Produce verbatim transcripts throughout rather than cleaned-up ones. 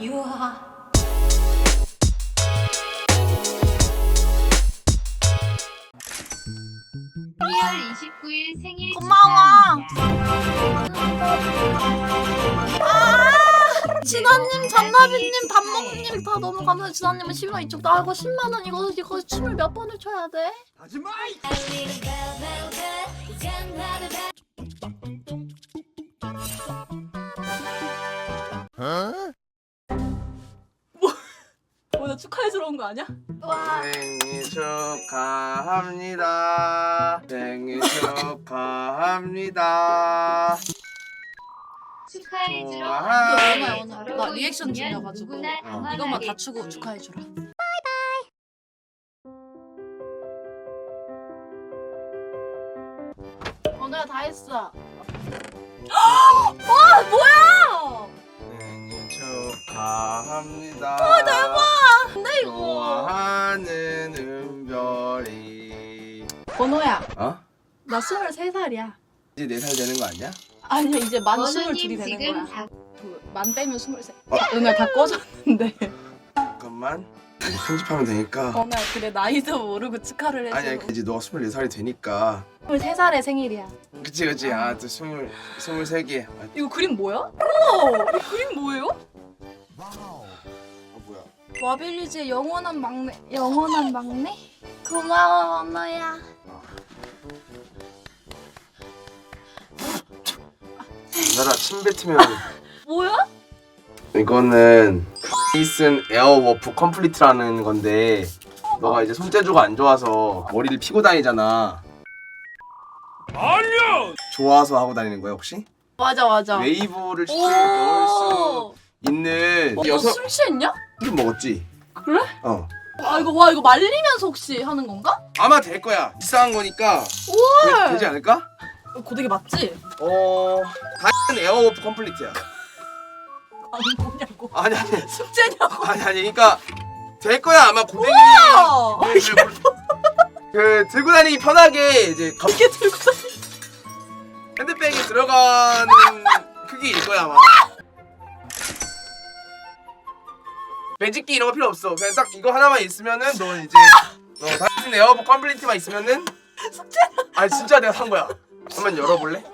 유하. 십이월 이십구일 생일 고마워. 축하합니다. 아! 진아님, 잔나비님, 단목님 다 너무 감사해요. 진아님은 십만 원 이쪽 나고 십만 원 이거 이거 춤을 몇 번을 춰야 돼? 하지마! 오늘 축하해주러 온 거 아니야? 와. 생일 축하합니다. 생일 축하합니다. 축하해주러 좋아. 온 이거 거에 오늘 저러고 나 리액션 있으면 중이어가지고 누구나 어. 이것만 다 당황하겠지. 추고 축하해주라. 오늘 다 했어. 와 뭐야? 생일 축하합니다. 아 대박! 근데 이거 좋아하는 은별이. 번호야. 어? 나 스물세 살이야. 이제 네 살 되는 거 아니야? 아니야 이제 만 원우님 스물둘이 되는 지금 거야. 다 그, 만 빼면 스물세. 은혜 다 꺼졌는데. 잠깐만. 이제 편집하면 되니까. 은혜 그래 나이도 모르고 축하를 해주고. 아니야 이제 너가 스물네 살이 되니까. 스물세 살의 생일이야. 그치 그치. 아또 스물 스물세 개. 아, 이거 그림 뭐야? 우와! 이 그림 뭐예요? 어 뭐야? 와빌리지의 영원한 막내. 영원한 막내? 고마워 언어야. 나라 침 뱉으면. 뭐야? 이거는 페이슨 에어워프 컴플리트라는 건데 너가 이제 손재주가 안 좋아서 머리를 피고 다니잖아. 아니요. 좋아서 하고 다니는 거야 혹시? 맞아 맞아. 웨이브를 쉽게 넣을 수 있는 어, 여섯 너술 취했냐? 술 먹었지? 그래? 어. 아 이거 와 이거 말리면서 혹시 하는 건가? 아마 될 거야. 비싼 거니까 우와! 되, 되지 않을까? 고데기 맞지? 어. 다이슨 에어워프 컴플리트야. 아니 뭐냐고. 아니 아니 숙제냐고. 아니 아니 그러니까 될 거야 아마 고데기. 우와! 그, 그, 그 들고 다니기 편하게 이제 겉 이게 들고 다니. 핸드백에 들어가는 크기일 거야 아마. 매직기 이런 거 필요 없어. 그냥 딱 이거 하나만 있으면은 너 이제 어, 다이슨 에어워프 컴플리트만 있으면은 아니 진짜 내가 산 거야. 한번 열어볼래?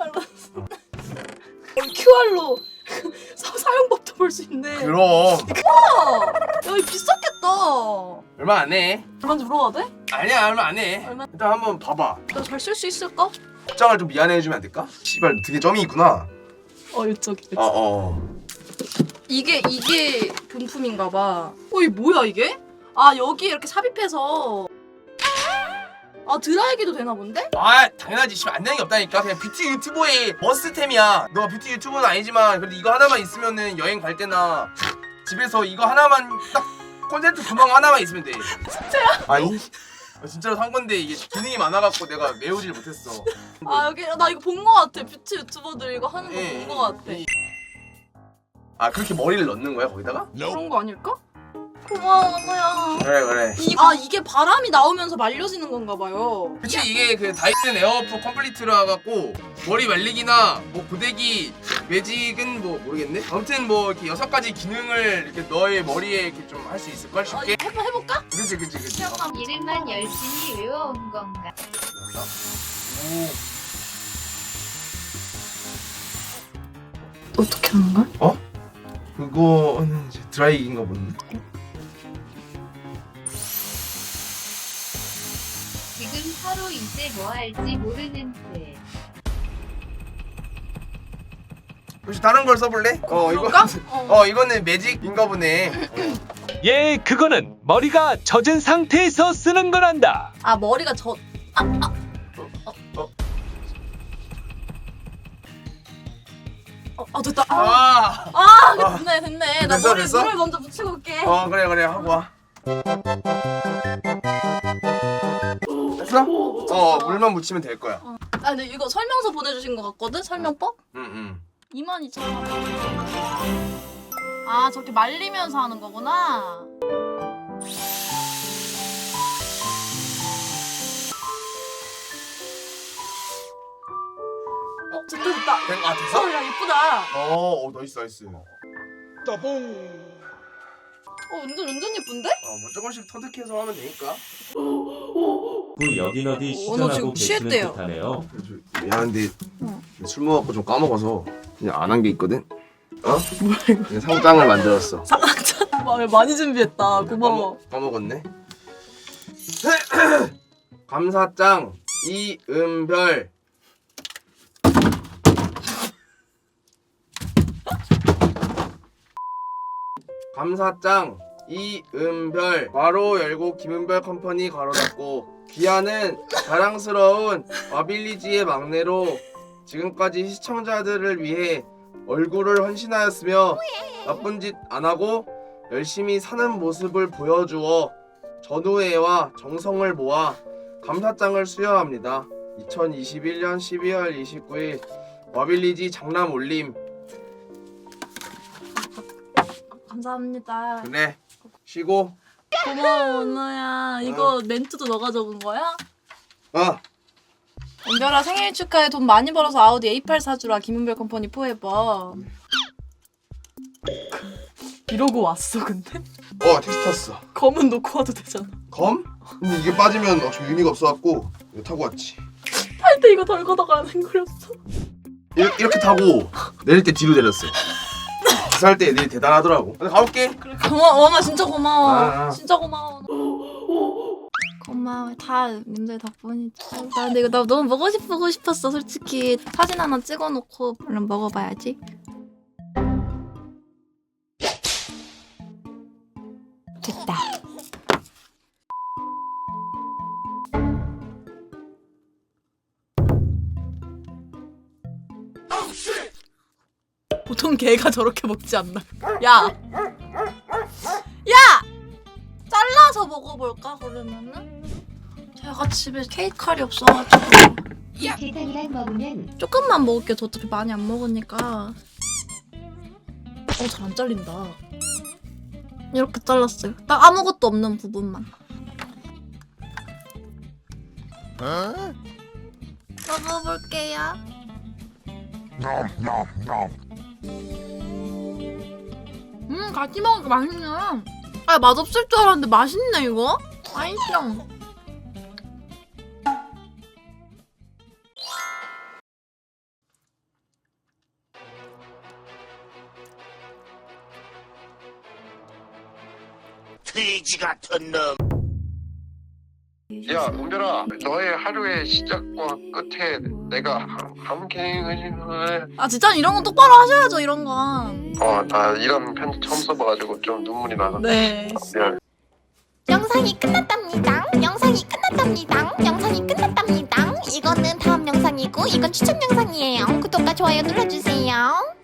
큐알로 사, 사용법도 볼 수 있네. 그럼 우와! 야 이거 비쌌겠다. 얼마 안 해. 얼마인지 물어봐도 돼? 아니야 얼마 안 해. 얼마? 일단 한번 봐봐. 나 잘 쓸 수 있을까? 입장을 좀 미안해 해주면 안 될까? 씨발 되게 점이 있구나. 어 이쪽이. 어 어. 이게 이게 본품인가 봐. 어 이게 뭐야 이게? 아 여기 이렇게 삽입해서 아 드라이기도 되나 본데? 아 당연하지. 씨발 안 되는 게 없다니까. 그냥 뷰티 유튜버의 머스템이야. 너가 뷰티 유튜버는 아니지만 그래도 이거 하나만 있으면은 여행 갈 때나 집에서 이거 하나만 딱 콘센트 구멍 하나만 있으면 돼. 진짜야? 아니 진짜로 산 건데 이게 기능이 많아갖고 내가 메우질 못했어. 아 여기 나 이거 본 거 같아. 뷰티 유튜버들 이거 하는 거 예, 본 거 같아. 이- 아 그렇게 머리를 넣는 거야 거기다가? 그런 거 아닐까? 고마워 언어야. 그래 그래. 이, 아 이게 바람이 나오면서 말려지는 건가 봐요. 그치 이게 그 다이슨 에어워프 컴플리트라 갖고 머리 말리기나 뭐 고데기 매직은 뭐 모르겠네. 아무튼 뭐 이렇게 여섯 가지 기능을 이렇게 너의 머리에 이렇게 좀 할 수 있을 걸 어, 쉽게. 해봐 해볼까? 그치 그치 그치. 어. 시원함. 이름만 열심히 외워온 건가? 오. 어떻게 하는 거야? 어? 그거는 이제 드라이기인가 보네. 지금 서로 이제 뭐 할지 모르는 데. 혹시 다른 걸 써볼래? 어 이거 그럴까? 어. 어 이거는 매직인가 보네. 예, 그거는 머리가 젖은 상태에서 쓰는 거란다. 아 머리가 저. 아, 아. 어? 어, 아 됐다. 아, 아. 아 아. 됐네 됐네. 나 됐어, 머리 됐어? 물을 먼저 붙이고 올게. 어 그래 그래 하고 와. 됐어? 어 물만 묻히면 될 거야. 아 근데 이거 설명서 보내주신 거 같거든? 설명법? 응응. 이만 이천 원. 아 저렇게 말리면서 하는 거구나. 어 됐다 됐다. 된, 아 됐어? 어 야 예쁘다. 어, 어 나이스 나이스. 따봉 어 완전 완전 예쁜데? 어뭐 조금씩 터득해서 하면 되니까. 그 여긴 어디 어, 너 지금 시전하고 계시는 취했대요. 듯하네요. 미안한데 어. 술 먹었고 좀 까먹어서 그냥 안 한 게 있거든. 어? 그냥 상장을 만들었어. 말 많이 준비했다. 고마워. 까먹, 까먹었네. 감사장 이은별. 감사장 이은별 괄호 열고 김은별 컴퍼니 괄호 닫고 귀하는 자랑스러운 와빌리지의 막내로 지금까지 시청자들을 위해 얼굴을 헌신하였으며 나쁜 짓 안 하고 열심히 사는 모습을 보여주어 전우애와 정성을 모아 감사장을 수여합니다. 이천이십일년 십이월 이십구일 와빌리지 장남 올림. 감사합니다. 그래 쉬고. 고마워 원호야. 이거 멘트도 너가 적은 거야? 어 은별아 생일 축하해. 돈 많이 벌어서 아우디 에이 팔 사주라. 김은별 컴퍼니 포에버. 이러고 왔어 근데? 어 택시 탔어. 검은 놓고 와도 되잖아. 검? 근데 이게 빠지면 어차피 의미가 없어갖고 이거 타고 왔지. 할 때 이거 덜걷다가 생거렸어. 이렇게, 이렇게 타고 내릴 때 뒤로 내렸어. 기사할 때 애들이 대단하더라고. 근데 가볼게. 그래 고마워 원호 진짜 고마워. 아, 아. 진짜 고마워. 고마워. 다 님들 덕분이지. 나 근데 이거 나 너무 먹고 싶고 싶었어 솔직히. 사진 하나 찍어놓고 얼른 먹어봐야지. 됐다. 보통 개가 저렇게 먹지 않나? 야! 야! 잘라서 먹어볼까 그러면은? 제가 집에 케이크 칼이 없어가지고 계란이랑 먹으면 조금만 먹을게. 저 어차피 많이 안 먹으니까. 어, 잘 안 잘린다. 이렇게 잘랐어요. 딱 아무것도 없는 부분만. 먹어볼게요. 음, 같이 먹으니까 맛있네. 아, 맛없을 줄 알았는데 맛있네, 이거? 맛있어. 돼지 같은 놈. 야, 은별아, 너의 하루의 시작과 끝에 내가 함께 아, 진짜 이런 건 똑바로 하셔야죠, 이런 건. 어, 나 이런 편지 처음 써봐가지고 좀 눈물이 나서 네. 미안. 영상이 끝났답니다. 영상이 끝났답니다. 영상이 끝났답니다. 이거는 다음 영상이고 이건 추천 영상이에요. 구독과 좋아요 눌러주세요.